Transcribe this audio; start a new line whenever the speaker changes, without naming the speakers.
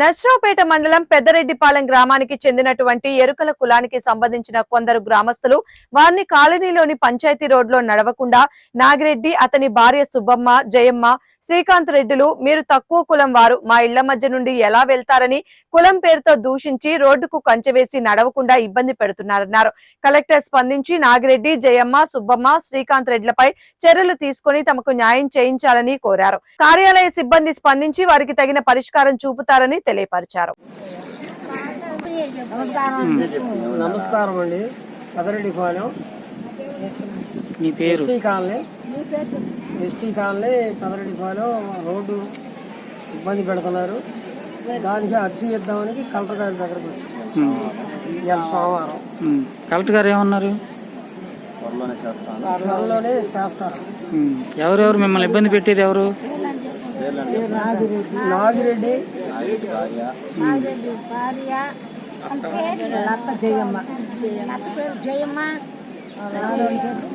నర్సరావుపేట మండలం పెద్దరెడ్డిపాలెం గ్రామానికి చెందినటువంటి ఎరుకల కులానికి సంబంధించిన కొందరు గ్రామస్తులు వారిని కాలనీలోని పంచాయతీ రోడ్లో నడవకుండా నాగిరెడ్డి, అతని భార్య సుబ్బమ్మ, జయమ్మ, శ్రీకాంత్ రెడ్డిలు మీరు తక్కువ కులం వారు, మా ఇళ్ల మధ్య నుండి ఎలా వెళ్తారని కులం పేరుతో దూషించి రోడ్డుకు కంచెవేసి నడవకుండా ఇబ్బంది పెడుతున్నారన్నారు. కలెక్టర్ స్పందించి నాగిరెడ్డి, జయమ్మ, సుబ్బమ్మ, శ్రీకాంత్ రెడ్లపై చర్యలు తీసుకుని తమకు న్యాయం చేయించాలని కోరారు. కార్యాలయ సిబ్బంది స్పందించి వారికి తగిన పరిష్కారం చూపుతారని తెలియపరిచారు.
నమస్కారం అండి. పెద్దరెడ్డిపాలెం
మీ పేరు?
ఎస్టీ కాలనీ పెద్దరెడ్డిపాలెం రోడ్డు ఇబ్బంది పెడుతున్నారు. దానికి అర్జీ ఇద్దామని కలెక్టర్ గారి దగ్గరకు వచ్చి సోమవారం
కలెక్టర్ గారు ఏమన్నారు?
త్వరలోనే చేస్తారు.
ఎవరెవరు మిమ్మల్ని ఇబ్బంది పెట్టేది? ఎవరు?
నాగిరెడ్డి,
జయమ్మ